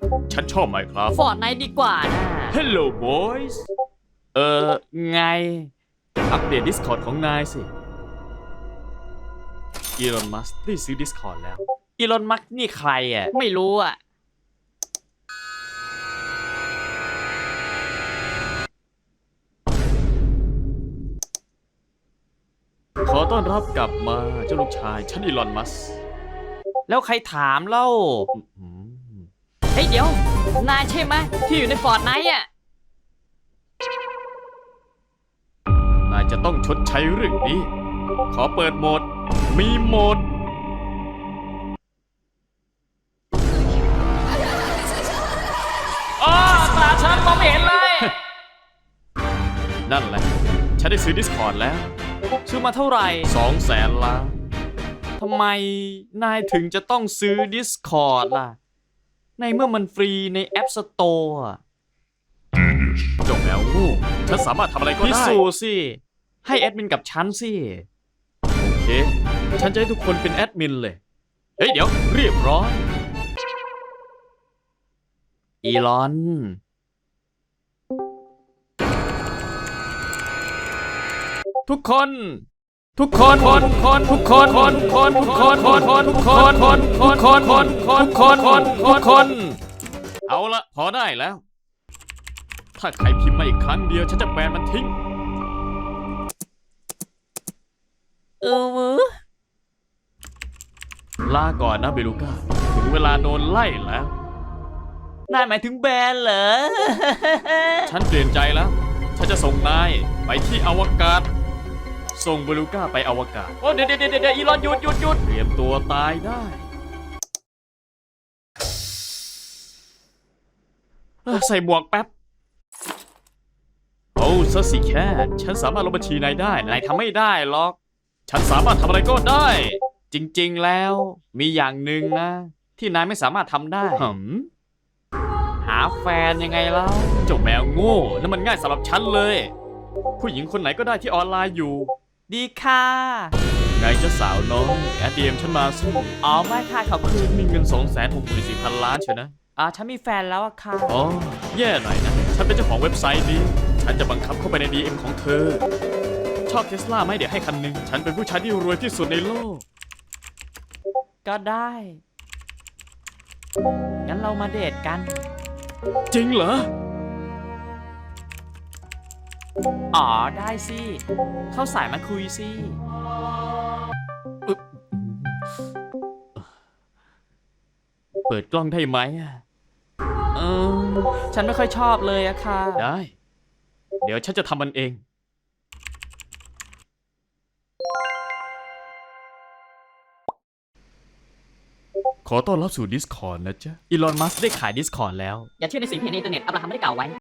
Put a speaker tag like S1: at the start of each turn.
S1: ฉันชอบไมค์ครับ
S2: ฟอร์ดไนท์ดีกว่านะ
S1: Hello boys ไง อัปเดต Discord ของนายสิอีลอนมัสก์ได้ซื้อ Discord แล้ว
S2: อีลอนมัสก์นี่ใครอ่ะ ไม่รู้อ่ะ
S1: ขอต้อนรับกลับมาเจ้าลูกชายฉันอีลอนมัสก์
S2: แล้วใครถามเล่า
S1: อืม
S2: เฮ้ยเดี๋ยว นายใช่ไหมที่อยู่ในฟอร์ดไนท์อ่ะ
S1: นายจะต้องชดใช้เรื่องนี้ ขอเปิดโหมด มีโหมด
S2: อ๋อตาฉันมองไม่เห็นเลย
S1: นั่นแหละ ฉันได้ซื้อ Discord แล้ว
S2: ซื้อมาเท่าไหร่
S1: 200,000 ล้าน
S2: ทำไมนายถึงจะต้องซื้อ Discord ล่ะ ในเมื่อมันฟรีใน App Store อะ
S1: จงแล้วงูฉันสามารถทำอะไรก็
S2: พิ
S1: ได้
S2: สูจน์สิ ให้แอดมินกับฉันสิ
S1: โอเค ฉันจะให้ทุกคนเป็นแอดมินเลย เฮ้ย เดี๋ยว เรียบร้อย
S2: อีลอน
S1: ทุกคน ทุกคนทุกคนทุกคนทุกคนทุกคนทุกคนทุกคนทุกคนทุกคนทุกคนทุกคน เอาละพอได้แล้ว ถ้าใครพิมพ์มาอีกครั้งเดียวฉันจะแบนมันทิ้ง ลาก่อนนะเบลูก้า ถึงเวลาโดนไล่แล้ว
S2: นายหมายถึงแบรนด์เหรอ
S1: ฉันเปลี่ยนใจแล้ว ฉันจะส่งนายไปที่อวกาศ ส่งเบลูก้าไปอวกาศ
S2: โอ้เดี๋ยวอีลอนหยุด
S1: เตรียมตัวตายได้ใส่หมวกแป๊บ โอ้ซะสิแค่ฉันสามารถลบบัญชีนายได้ นายทำไม่ได้หรอก ฉันสามารถทำอะไรก็ได้
S2: จริงๆแล้วมีอย่างหนึ่งนะ ที่นายไม่สามารถทำได้ หาแฟนยังไงแล้ว
S1: เจ้าแมวโง่นั่นมันง่ายสำหรับฉันเลย ผู้หญิงคนไหนก็ได้ที่ออนไลน์อยู่
S2: ดีค่ะ
S1: ไงเจ้าสาวน้องแอดเดียมฉันมาสิ
S2: อ๋อไม่ค่ะขอบคุณ
S1: มีเงิน 264,000 ล้านเชียวนะ
S2: ฉันมีแฟนแล้วอะค่ะ
S1: อ๋อ แย่หน่อยนะ ฉันเป็นเจ้าของเว็บไซต์นี้ ฉันจะบังคับเข้าไปใน DM ของเธอ ชอบเทสลาไหมเดี๋ยวให้คันหนึ่ง ฉันเป็นผู้ชายที่รวยที่สุดในโลก
S2: ก็ได้ งั้นเรามาเดทกัน
S1: จริงเหรอ
S2: อ๋อได้สิ เข้าสายมาคุยสิ
S1: เปิดกล้องได้ไหมอะ
S2: ฉันไม่ค่อยชอบเลยอะค่ะ
S1: ได้ เดี๋ยวฉันจะทำมันเอง ขอต้อนรับสู่ Discord นะจ๊ะ
S2: อีลอนมัสก์ได้ขาย Discord แล้ว อย่าเชื่อในสิ่งที่ในอินเทอร์เน็ตอับราฮัมไม่ได้กล่าวไว้